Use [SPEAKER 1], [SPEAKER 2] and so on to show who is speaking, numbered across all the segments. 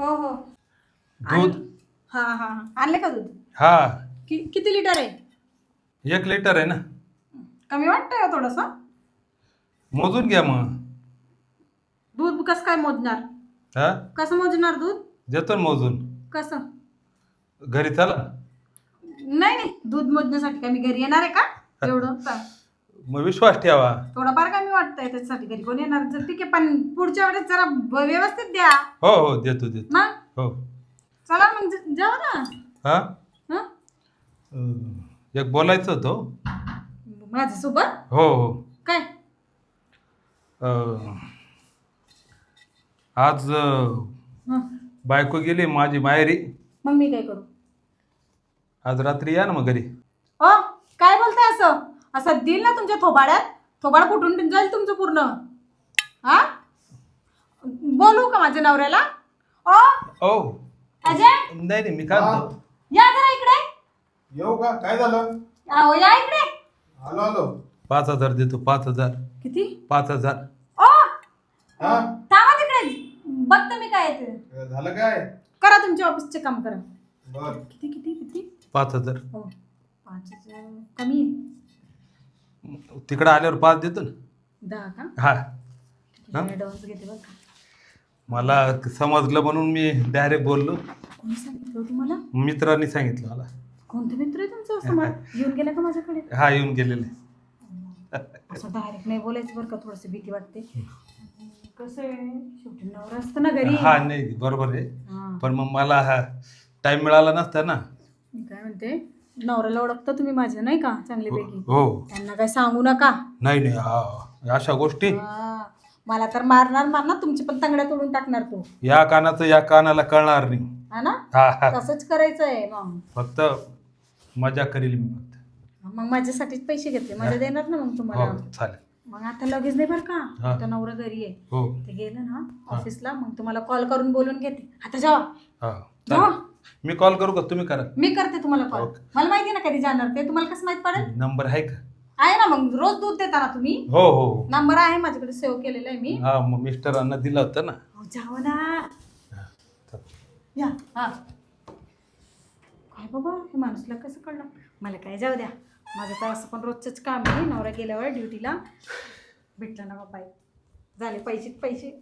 [SPEAKER 1] हो हो.
[SPEAKER 2] दूध.
[SPEAKER 1] हा हा हा. आणले का दूध?
[SPEAKER 2] हा,
[SPEAKER 1] किती लिटर आहे?
[SPEAKER 2] 1 लिटर आहे ना.
[SPEAKER 1] कमी वाटतंय का थोडस?
[SPEAKER 2] मोजून घ्या मग.
[SPEAKER 1] दूध कसं काय मोजणार?
[SPEAKER 2] हा,
[SPEAKER 1] कसं मोजणार दूध?
[SPEAKER 2] देतो ना मोजून.
[SPEAKER 1] कसं?
[SPEAKER 2] घरी चला.
[SPEAKER 1] नाही नाही, दूध मोजण्यासाठी काय मी घरी येणार आहे का? एवढं
[SPEAKER 2] मग विश्वास ठेवा.
[SPEAKER 1] थोडंफार कमी वाटतंय त्याच्यासाठी घरी कोण येणार? जर ठीक आहे, पण पुढच्या वेळेस जरा व्यवस्थित द्या
[SPEAKER 2] हो हो, देतो देतो.
[SPEAKER 1] ना.
[SPEAKER 2] हो.
[SPEAKER 1] चला मग जाऊ ना.
[SPEAKER 2] हा,
[SPEAKER 1] हं?
[SPEAKER 2] एक बोलायचं होतं हो.
[SPEAKER 1] माझ्यासोबत?
[SPEAKER 2] हो हो.
[SPEAKER 1] काय?
[SPEAKER 2] अं, आज
[SPEAKER 1] हं.
[SPEAKER 2] बायको गेली माझी माहेरी.
[SPEAKER 1] मग मी काय करू?
[SPEAKER 2] आज रात्री या ना मग घरी.
[SPEAKER 1] ओ, काय बोलताय असं? असं देईल ना तुमच्या थोबाड्यात? थोबाड फुटून जाईल तुमचं पूर्ण. हा, बोलू का माझ्या नवऱ्याला? ओ
[SPEAKER 2] ओ
[SPEAKER 1] अजय,
[SPEAKER 2] नाही नाही, मी काय म्हणतो,
[SPEAKER 1] या जरा इकडे.
[SPEAKER 3] येऊ का? काय झालं?
[SPEAKER 1] अहो, या इकडे.
[SPEAKER 3] आलो आलो.
[SPEAKER 2] 5,000 देतो. 5,000.
[SPEAKER 1] किती?
[SPEAKER 2] 5,000.
[SPEAKER 1] ओ
[SPEAKER 3] हा,
[SPEAKER 1] थांबा तिकडे, बघते मी काय येते.
[SPEAKER 3] झालं काय?
[SPEAKER 1] करा तुमच्या ऑफिसचे काम करा.
[SPEAKER 3] बर.
[SPEAKER 1] किती किती किती?
[SPEAKER 2] 5,000.
[SPEAKER 1] हो, 5,000 कमी आहे.
[SPEAKER 2] तिकडं आल्यावर 5 देतो ना.
[SPEAKER 1] 10 का?
[SPEAKER 2] हा,
[SPEAKER 1] ऍडव्हान्स घेते बघ का.
[SPEAKER 2] मला समजलं म्हणून मी डायरेक्ट बोललो.
[SPEAKER 1] कोणी सांगितलं तुम्हाला?
[SPEAKER 2] मित्रांनी सांगितलं मला.
[SPEAKER 1] कोणते मित्र आहे तुमचं? असं येऊन गेला का माझ्याकडे?
[SPEAKER 2] हा, येऊन गेलेले.
[SPEAKER 1] असं डायरेक्ट नाही बोलायचं बरं का, थोडस भीती वाटते. कसं आहे, शेवटी नवरा असतं ना घरी.
[SPEAKER 2] हा, नाही बरोबर आहे.
[SPEAKER 1] हा.
[SPEAKER 2] पण मग मला हा टाइम मिळाला नसता ना.
[SPEAKER 1] मी काय म्हणते, नवऱ्याला ओळखता तुम्ही माझ्या नाही का चांगल्यापैकी?
[SPEAKER 2] हो.
[SPEAKER 1] त्यांना काय सांगू नका.
[SPEAKER 2] नाही नाही, हा, अशा गोष्टी
[SPEAKER 1] हा, मला तर मारणार तुमची पण तंगड्या तोडून टाकणार तो.
[SPEAKER 2] या कानाचं या कानाला कळणार नाही.
[SPEAKER 1] हा ना,
[SPEAKER 2] हा हा,
[SPEAKER 1] तसंच करायचंय मग.
[SPEAKER 2] फक्त मजा करील मी फक्त.
[SPEAKER 1] मग माझ्यासाठीच पैसे घेतले, माझ्या देणार ना मग
[SPEAKER 2] हो,
[SPEAKER 1] तुम्हाला.
[SPEAKER 2] चालेल.
[SPEAKER 1] मग आता लगेच नाही बरं का,
[SPEAKER 2] हा.
[SPEAKER 1] आता नवरा घरी आहे.
[SPEAKER 2] हो.
[SPEAKER 1] ते गेलं ना ऑफिसला, मग तुम्हाला कॉल करून बोलून घेते. आता जावा
[SPEAKER 2] हा,
[SPEAKER 1] जावा.
[SPEAKER 2] चालेल. मी कॉल करू का, तुम्ही करा?
[SPEAKER 1] मी करते तुम्हाला कॉल.
[SPEAKER 2] ओके.
[SPEAKER 1] मला माहिती ना कधी जाणार ते, तुम्हाला कसं माहित पडेल?
[SPEAKER 2] नंबर आहे का?
[SPEAKER 1] आहे ना, मग रोज दूध देता ना तुम्ही.
[SPEAKER 2] हो हो.
[SPEAKER 1] नंबर आहे माझ्याकडे, सेव्ह केलेला आहे मी.
[SPEAKER 2] हा, मग मिस्टरांना दिलं होतं ना.
[SPEAKER 1] अहो, जावा ना.
[SPEAKER 2] हा, चालेल.
[SPEAKER 1] या. हा, काय बाबा, हे माणूसला कसं कळलं? मला काय जाऊ द्या, माझं तर असं पण रोजचंच काम आहे. नवरा गेल्यावर ड्युटीला भेटला ना बाबा, झाले पैसेच पैसे.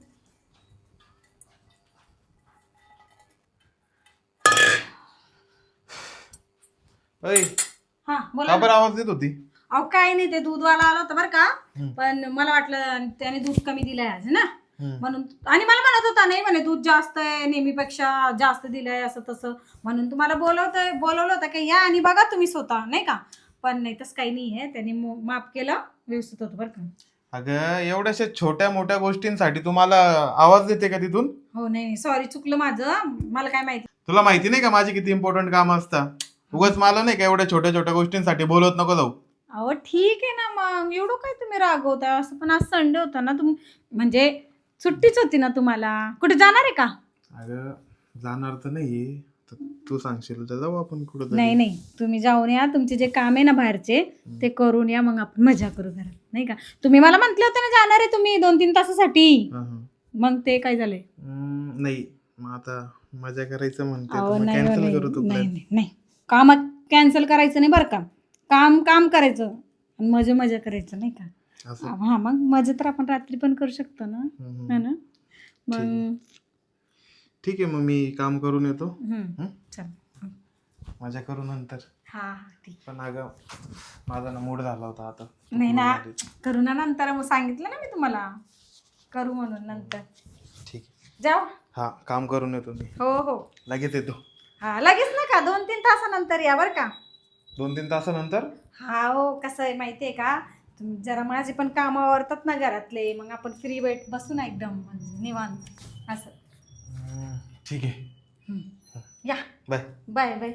[SPEAKER 3] अय,
[SPEAKER 1] हा बोला
[SPEAKER 3] का
[SPEAKER 1] ना.
[SPEAKER 3] बरं आवाज देत होती?
[SPEAKER 1] अहो काय नाही, ते दूधवाला आला होता बरं का, पण मला वाटलं त्याने दूध कमी दिलंय आज ना, म्हणून. आणि मला म्हणत होता नाही म्हणे दूध जास्त आहे, नेहमीपेक्षा जास्त दिलंय असं तसं, म्हणून तुम्हाला बोलवलं होतं की या आणि बघा तुम्ही स्वतः नाही का. पण नाही, तसं काही नाही आहे, त्यांनी माफ केलं, व्यवस्थित होतं बरं का.
[SPEAKER 3] अगं, एवढ्याशा छोट्या मोठ्या गोष्टींसाठी तुम्हाला आवाज देते का तिथून?
[SPEAKER 1] हो, नाही सॉरी, चुकलं माझं, मला काय माहिती.
[SPEAKER 3] तुला माहिती नाही का माझी किती इम्पॉर्टंट काम असतात? उगाच मला नाही का एवढ्या छोट्या छोट्या गोष्टींसाठी बोलत नको जाऊ.
[SPEAKER 1] अहो ठीक आहे ना, मग एवढं काय तुम्ही रागवता असं? पण आज संडे होता ना, म्हणजे सुट्टीच होती ना तुम्हाला. कुठे जाणार आहे का?
[SPEAKER 3] अगं, जाणार तर नाही, तू सांगशील तर जाऊ आपण कुठं.
[SPEAKER 1] नाही नाही, तुम्ही जाऊन या, तुमचे जे काम आहे ना बाहेरचे ते करून या, मग आपण मजा करू घरात नाही का. तुम्ही मला म्हटले होते ना जाणार आहे तुम्ही 2-3 तासासाठी, मग ते काय झालंय?
[SPEAKER 3] नाही, मग आता मजा करायचं म्हणते
[SPEAKER 1] अहो
[SPEAKER 3] तर मग
[SPEAKER 1] नाही
[SPEAKER 3] कॅन्सल
[SPEAKER 1] नाही
[SPEAKER 3] करू तू
[SPEAKER 1] नाही
[SPEAKER 3] plan.
[SPEAKER 1] नाही नाही, काम कॅन्सल करायचं नाही बरं का. काम काम करायचं आणि मजा मजा करायचं नाही का.
[SPEAKER 3] असं.
[SPEAKER 1] हा, मग मजा तर आपण रात्री पण करू शकतो ना, है ना. मग
[SPEAKER 3] ठीक आहे, मग मी काम करून येतो.
[SPEAKER 1] चल.
[SPEAKER 3] मजा करू नंतर.
[SPEAKER 1] हा हा, ठीक.
[SPEAKER 3] पण अगं, माझा ना मूड झाला होता आता.
[SPEAKER 1] नाही ना, करू ना नंतर, मग सांगितलं ना मी तुम्हाला करू म्हणून नंतर.
[SPEAKER 3] ठीक आहे.
[SPEAKER 1] जाऊ.
[SPEAKER 3] हा, काम करून येतो मी.
[SPEAKER 1] हो हो,
[SPEAKER 3] लगेच येतो.
[SPEAKER 1] हा लगेच नका, 2-3 तासानंतर या बरं का.
[SPEAKER 3] 2-3 तासानंतर?
[SPEAKER 1] हा हो, कसं आहे माहिती आहे का, तुम्ही जरा माझे पण काम आवरतात ना घरातले, मग आपण फ्री बसू ना एकदम म्हणजे निवांत असं.
[SPEAKER 3] ठीक आहे.
[SPEAKER 1] या.
[SPEAKER 3] Bye
[SPEAKER 1] bye bye.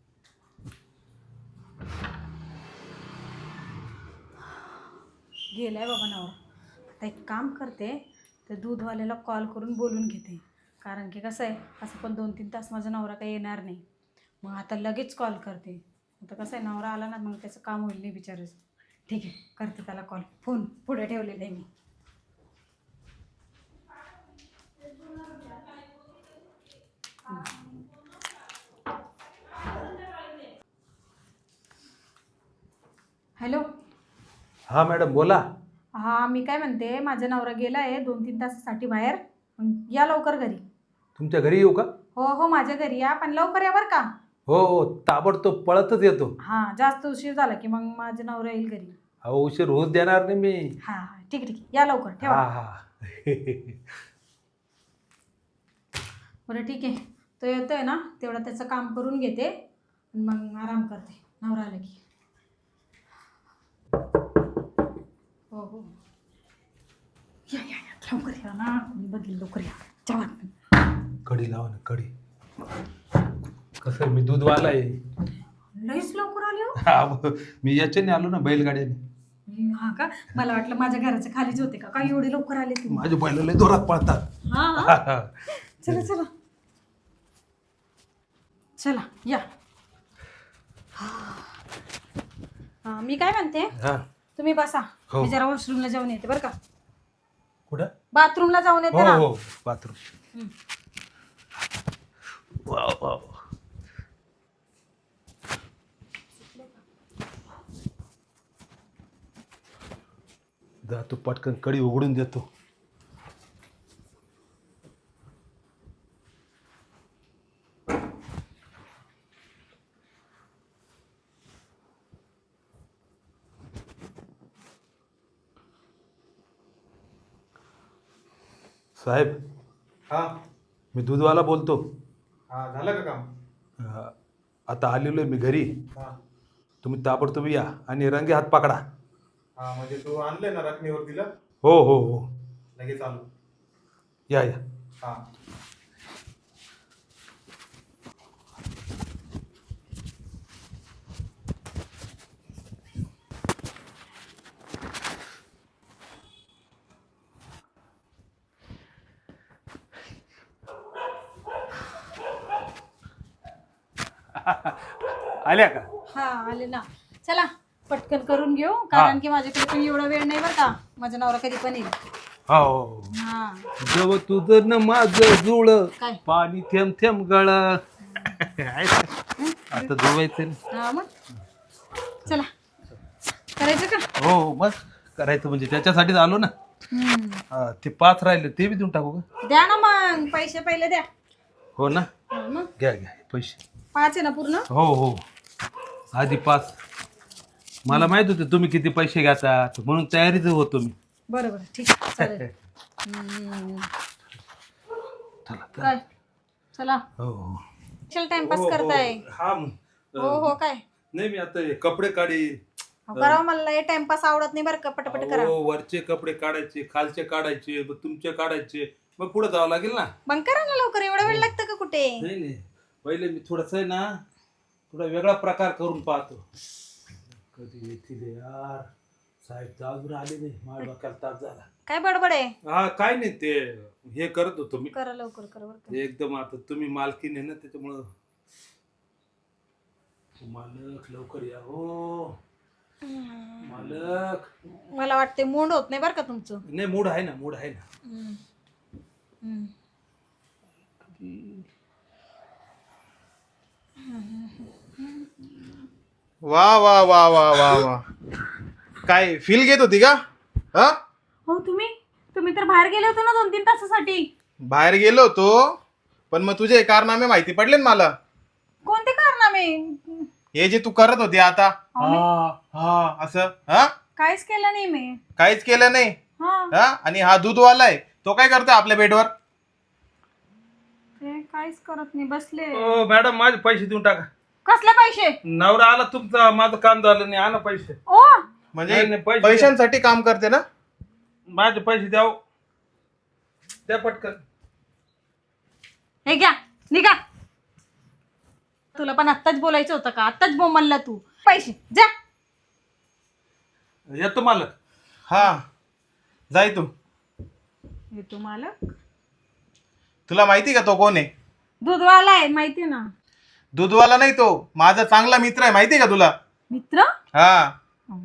[SPEAKER 1] गेलाय बाबा नवरा. आता एक काम करते, ते दूधवाल्याला कॉल करून बोलून घेते, कारण की कसं आहे, असं पण 2-3 तास माझा नवरा काही येणार नाही. मग आता लगेच कॉल करते. आता कसं आहे, नवरा आला ना मग त्याचं काम होईल नाही बिचारायचं. ठीक आहे, करते त्याला कॉल. फोन पुढे ठेवलेला आहे मी. हॅलो.
[SPEAKER 2] हा मॅडम बोला.
[SPEAKER 1] हा मी काय म्हणते, माझा नवरा गेलाय 2-3 तासासाठी बाहेर. या लवकर घरी.
[SPEAKER 2] तुमच्या घरी येऊ का?
[SPEAKER 1] हो हो माझ्या घरी या, पण लवकर या बरं का.
[SPEAKER 2] हो हो ताबडतोब पळतच येतो.
[SPEAKER 1] हा जास्त उशीर झाला की मग माझा नवरा येईल घरी.
[SPEAKER 2] अहो उशीर होऊच देणार नाही मी.
[SPEAKER 1] हा हा ठीक आहे ठीक आहे, या लवकर ठेवा.
[SPEAKER 2] हा हा
[SPEAKER 1] बरं ठीक आहे, तो येतोय ना तेवढं त्याचं काम करून घेते मग आराम करते नवरा आला की. हो हो या या या लवकर या ना, मी बघील लवकर या जेवण.
[SPEAKER 2] कढी लावा ना कढी. कसं मी दूधवाला आहे.
[SPEAKER 1] लईच लवकर आले हो.
[SPEAKER 2] हा, मी याच्याने आलो ना बैलगाड्याने.
[SPEAKER 1] हा का, मला वाटलं माझ्या घराच्या खालीच होते का काय एवढे लवकर आले तुम्ही.
[SPEAKER 2] माझे बैल लय जोरात पळतात.
[SPEAKER 1] हा हा चला चला चला या. हा मी काय म्हणते,
[SPEAKER 2] हा
[SPEAKER 1] तुम्ही बसा.
[SPEAKER 2] हो.
[SPEAKER 1] मी जरा वॉशरूमला जाऊन येते बरं का.
[SPEAKER 2] कुठं?
[SPEAKER 1] बाथरूमला जाऊन येते
[SPEAKER 2] हो
[SPEAKER 1] ना.
[SPEAKER 2] हो बाथरूम.
[SPEAKER 1] हम्म.
[SPEAKER 2] Wow wow. जातो पटकन कडी उघडून देतो. साहेब
[SPEAKER 3] हा
[SPEAKER 2] मी दूधवाला बोलतो.
[SPEAKER 3] हा झालं का काम?
[SPEAKER 2] आता आलेलो आहे मी घरी.
[SPEAKER 3] हा
[SPEAKER 2] तुम्ही ताबडतोब या आणि रंगे हात पकडा.
[SPEAKER 3] हा म्हणजे तू आणलंय ना रकमेवर तिला?
[SPEAKER 2] हो हो हो
[SPEAKER 3] लगेच आलो.
[SPEAKER 2] या या.
[SPEAKER 3] हा
[SPEAKER 2] आल्या का?
[SPEAKER 1] हा आले ना. चला पटकन करून घेऊ, कारण की माझ्याकडे पण एवढा वेळ नाही बरं का. माझा नवरा कधी पण येईल.
[SPEAKER 2] हो
[SPEAKER 1] हा
[SPEAKER 2] जव तुझं न माझं जुळ
[SPEAKER 1] काय?
[SPEAKER 2] पाणी थेंब थेंब गळ. आता जुळवायचं.
[SPEAKER 1] हा मग चला करायचं का.
[SPEAKER 2] हो बस करायचं म्हणजे त्याच्यासाठीच आलो ना. हा, ते 5 राहिले ते बी देऊन टाकू का?
[SPEAKER 1] द्या ना मग, पैसे पहिले द्या.
[SPEAKER 2] हो ना
[SPEAKER 1] हा, मग
[SPEAKER 2] घ्या घ्या पैसे.
[SPEAKER 1] 5 आहे ना पूर्ण.
[SPEAKER 2] हो हो आधी 5. मला माहित होतं तुम्ही किती पैसे घ्याचा म्हणून तयारीच होतो मी.
[SPEAKER 1] बरं बरं ठीक आहे चालेल.
[SPEAKER 2] चला
[SPEAKER 1] काय चला
[SPEAKER 2] हो हो
[SPEAKER 1] चल टाइमपास करताय.
[SPEAKER 2] हा
[SPEAKER 1] हो हो काय
[SPEAKER 2] नाही मी आता हे कपडे काढी.
[SPEAKER 1] करावं, मला हे टाइमपास आवडत नाही बरं का. पटापट करा.
[SPEAKER 2] हो वरचे कपडे काढायचे खालचे काढायचे मग तुमचे काढायचे मग पुढे जावं लागेल ना.
[SPEAKER 1] मग करा ना लवकर, एवढा वेळ लागतं का कुठे.
[SPEAKER 2] नाही नाही पहिले मी थोडस आहे ना थोडा वेगळा प्रकार करून पाहतो. कधी येतील यार साहेब अजून आले नाही. माझ्या डोक्याला ताप झाला.
[SPEAKER 1] काय बडबड आहे.
[SPEAKER 2] हा काय नाही ते हे करत होतो मी.
[SPEAKER 1] करा लवकर करा बरं का.
[SPEAKER 2] एकदम आता तुम्ही मालकीन आहे ना त्याच्यामुळं. मालक लवकर या हो मालक.
[SPEAKER 1] मला वाटते मूड होत नाही बरं का तुमचं.
[SPEAKER 2] नाही मूड आहे ना मूड आहे ना.
[SPEAKER 3] वा वा वा वा वा वा काय फील घेत होती का? हा
[SPEAKER 1] हो तुम्ही तर बाहेर गेले होते ना 2-3 तासासाठी.
[SPEAKER 3] बाहेर गेलो होतो पण मग तुझे कारनामे माहिती पडले ना मला.
[SPEAKER 1] कोणते कारनामे.
[SPEAKER 3] हे जे तू करत होती आता. हा हा असं हा
[SPEAKER 1] काहीच केलं नाही मी.
[SPEAKER 3] काहीच केलं नाही.
[SPEAKER 1] हा
[SPEAKER 3] हा आणि हा दूधवाला आहे तो काय करतोय आपल्या बेडवर?
[SPEAKER 1] ते काहीच करत नाही, बसले.
[SPEAKER 2] ओ मॅडम माझे पैसे देऊन टाका.
[SPEAKER 1] कसले पैसे.
[SPEAKER 2] नवरा आला तुमचा माझं काम झालं नाही. आणा पैसे.
[SPEAKER 1] ओ
[SPEAKER 3] म्हणजे
[SPEAKER 2] नाही, नाही, पैसे
[SPEAKER 3] पैशांसाठी काम करते ना.
[SPEAKER 2] माझे पैसे द्या हो. द्या पटकन.
[SPEAKER 1] हे घ्या निघा. तुला पण आत्ताच बोलायचं होतं का. आत्ताच बोंबलला तू. पैसे जा.
[SPEAKER 2] येतो मालक.
[SPEAKER 3] हा जाय तू.
[SPEAKER 1] येतो मालक.
[SPEAKER 3] तुला माहिती का तो कोण आहे?
[SPEAKER 1] दूधवाला आहे माहिती ना.
[SPEAKER 3] दूधवाला नाही तो माझा चांगला मित्र आहे माहिती का तुला?
[SPEAKER 1] मित्र.
[SPEAKER 3] हा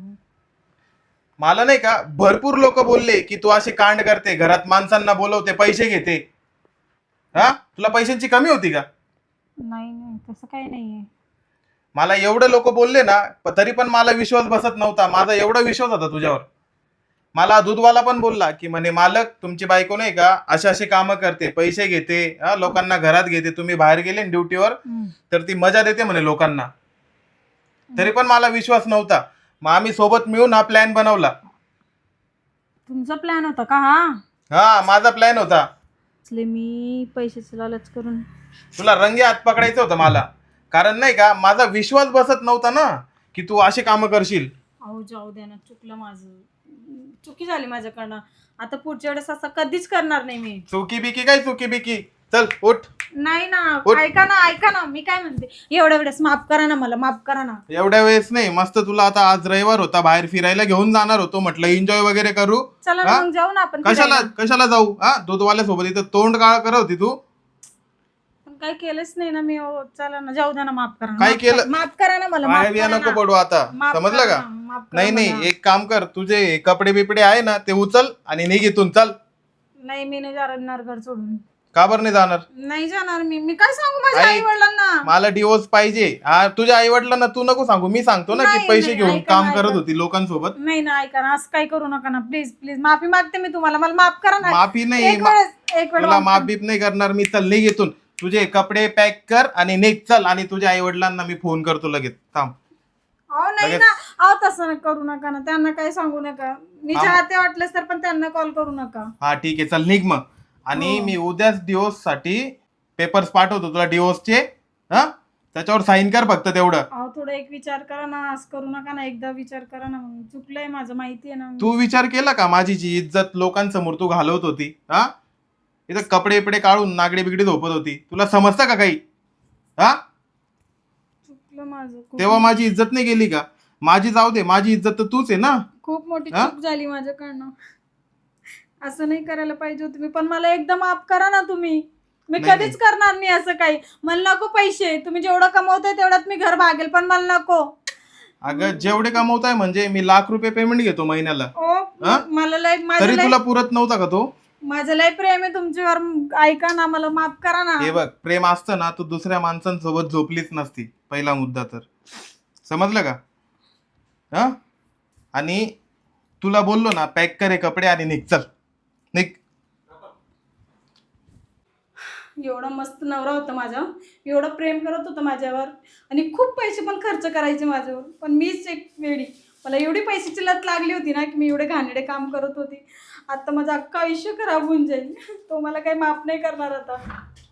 [SPEAKER 3] मला नाही का भरपूर लोक बोलले की तू असे कांड करते, घरात माणसांना बोलवते, पैसे घेते. हा तुला पैशांची कमी होती का?
[SPEAKER 1] नाही नाही तसं काही नाहीये.
[SPEAKER 3] मला एवढे लोक बोलले ना तरी पण मला विश्वास बसत नव्हता. माझा एवढा विश्वास होता तुझ्यावर. मला दूधवाला पण बोलला की म्हणे मालक तुमची बायको नाही का असे असे कामं करते, पैसे घेते, लोकांना घरात घेते, तुम्ही बाहेर गेले ड्युटीवर तर ती मजा देते म्हणे लोकांना. तरी पण मला विश्वास नव्हता. मग आम्ही सोबत मिळून हा प्लॅन बनवला.
[SPEAKER 1] तुमचा प्लॅन होता का हा?
[SPEAKER 3] हा माझा प्लॅन होता.
[SPEAKER 1] मी पैशाचं लालच करून
[SPEAKER 3] तुला रंगे हात पकडायचं होतं मला. कारण नाही का माझा विश्वास बसत नव्हता ना की तू अशी कामं करशील.
[SPEAKER 1] अहो जाऊ द्या ना, चुकलं माझं, चुकी झाली माझ्याकडनं. आता पुढच्या वेळेस असं कधीच करणार नाही मी.
[SPEAKER 3] चुकी बिकी काय चुकी बिकी, चल उठ.
[SPEAKER 1] नाही ना,
[SPEAKER 3] उठ.
[SPEAKER 1] ऐका ना, मी काय म्हणते, एवढ्या वेळेस माफ करा ना, मला माफ करा ना.
[SPEAKER 3] एवढ्या वेळेस नाही, मस्त तुला आता आज रविवार होता, बाहेर फिरायला घेऊन जाणार होतो, म्हटलं एन्जॉय वगैरे करू.
[SPEAKER 1] चला ना मग जाऊ ना आपण
[SPEAKER 3] कशाला
[SPEAKER 1] फिरायला.
[SPEAKER 3] कशाला जाऊ? दूधवाल्या सोबत इथं तोंड काळ करत होती तू.
[SPEAKER 1] पण काही केलंच नाही ना मी. हो, चला ना, जाऊ द्या ना, माफ करा ना.
[SPEAKER 3] काय
[SPEAKER 1] माफ
[SPEAKER 3] केलं?
[SPEAKER 1] करा- माफ करा ना मला,
[SPEAKER 3] पाय
[SPEAKER 1] माफ
[SPEAKER 3] बिया
[SPEAKER 1] करा
[SPEAKER 3] नको
[SPEAKER 1] ना.
[SPEAKER 3] पडू आता,
[SPEAKER 1] माफ
[SPEAKER 3] समजलं
[SPEAKER 1] करा
[SPEAKER 3] का?
[SPEAKER 1] ना, माफ करा
[SPEAKER 3] नाही
[SPEAKER 1] मला.
[SPEAKER 3] नाही, एक काम कर, तुझे कपडे बिपडे आहे ना ते उचल आणि निघ इथून, चल.
[SPEAKER 1] नाही, मी नाही जाणार घर सोडून.
[SPEAKER 3] का बरं नाही जाणार?
[SPEAKER 1] नाही जाणार मी काय सांगू माझ्या
[SPEAKER 3] आई-
[SPEAKER 1] आई वडिलांना.
[SPEAKER 3] मला डिवोर्स पाहिजे. तुझ्या आई वडिलांना तू नको सांगू, मी सांगतो ना की
[SPEAKER 1] नाही,
[SPEAKER 3] पैसे
[SPEAKER 1] नाही,
[SPEAKER 3] घेऊन
[SPEAKER 1] ऐका
[SPEAKER 3] काम
[SPEAKER 1] ना,
[SPEAKER 3] करत
[SPEAKER 1] ऐका.
[SPEAKER 3] होती लोकांसोबत.
[SPEAKER 1] नाही ना, ऐका ना, असं काही करू नका ना, प्लीज प्लीज. माफी मागते मी तुम्हाला, मला माफ करा ना.
[SPEAKER 3] माफी नाही,
[SPEAKER 1] एक वेळ
[SPEAKER 3] तुला माफ बीप नाही करणार मी. चल निघ इथून, तुझे कपडे पॅक कर आणि निघ, चल. आणि तुझ्या आई वडिलांना मी फोन करतो लगेच, थांब.
[SPEAKER 1] अहो नाही
[SPEAKER 3] लगेच.
[SPEAKER 1] ना, अहो तसं करू नका ना, त्यांना काही सांगू नका. मी
[SPEAKER 3] हा.
[SPEAKER 1] चाहते वाटलंच तर, पण त्यांना कॉल करू नका.
[SPEAKER 3] हा ठीक आहे, चल निघ मग. आणि
[SPEAKER 1] हो.
[SPEAKER 3] मी उद्याच डिवोर्स साठी पेपर्स पाठवतो तुला, डिवोर्सचे. त्याच्यावर साईन कर फक्त तेवढं.
[SPEAKER 1] अहो थोडं एक विचार करा ना, असं करू नका ना, एकदा विचार करा ना. मग चुकलंय माझं, माहिती आहे ना.
[SPEAKER 3] तू विचार केला का माझी जी इज्जत लोकांसमोर तू घालवत होती? इथं कपडे बिपडे काढून नागडे बिगडे झोपत होती, तुला समजतं का काही?
[SPEAKER 1] चुकलं माझं खूप.
[SPEAKER 3] तेव्हा माझी इज्जत नाही गेली का? माझी जाऊ दे, माझी इज्जत तर तूच आहे ना.
[SPEAKER 1] खूप मोठी
[SPEAKER 3] हा?
[SPEAKER 1] चूक झाली माझ्याकडनं. असं नाही करायला पाहिजे होतं मी. पण मला एकदा माफ करा ना तुम्ही. मी
[SPEAKER 3] नाही,
[SPEAKER 1] कधीच करणार नाही असं काही. मला नको पैसे. तुम्ही जेवढं कमवताय तेवढ्यात मी घर भागेल, पण मला नको.
[SPEAKER 3] अगं जेवढे कमवताय म्हणजे मी ₹1,00,000 पेमेंट घेतो महिन्याला. हा?
[SPEAKER 1] मला लय
[SPEAKER 3] तरी तुला पुरत नव्हता का तो?
[SPEAKER 1] माझं लय प्रेम आहे तुमच्यावर. ऐका ना, मला माफ करा ना.
[SPEAKER 3] हे बघ, प्रेम असतं ना तू दुसऱ्या माणसांसोबत झोपलीच नसती, पहिला मुद्दा तर. समजलं का? आणि तुला बोललो ना, पॅक करे कपडे आणि निघ, चल निघ.
[SPEAKER 1] एवढा मस्त नवरा होता माझा, एवढं प्रेम करत होता माझ्यावर, आणि खूप पैसे पण खर्च करायचे माझ्यावर. पण मीच एक वेडी, मला एवढी पैशाची लत लागली होती ना की मी एवढे घाणेरडे काम करत होती. आता माझं अख्खं आयुष्य खराब होऊन जाईल. तो मला काही माफ नाही करणार आता.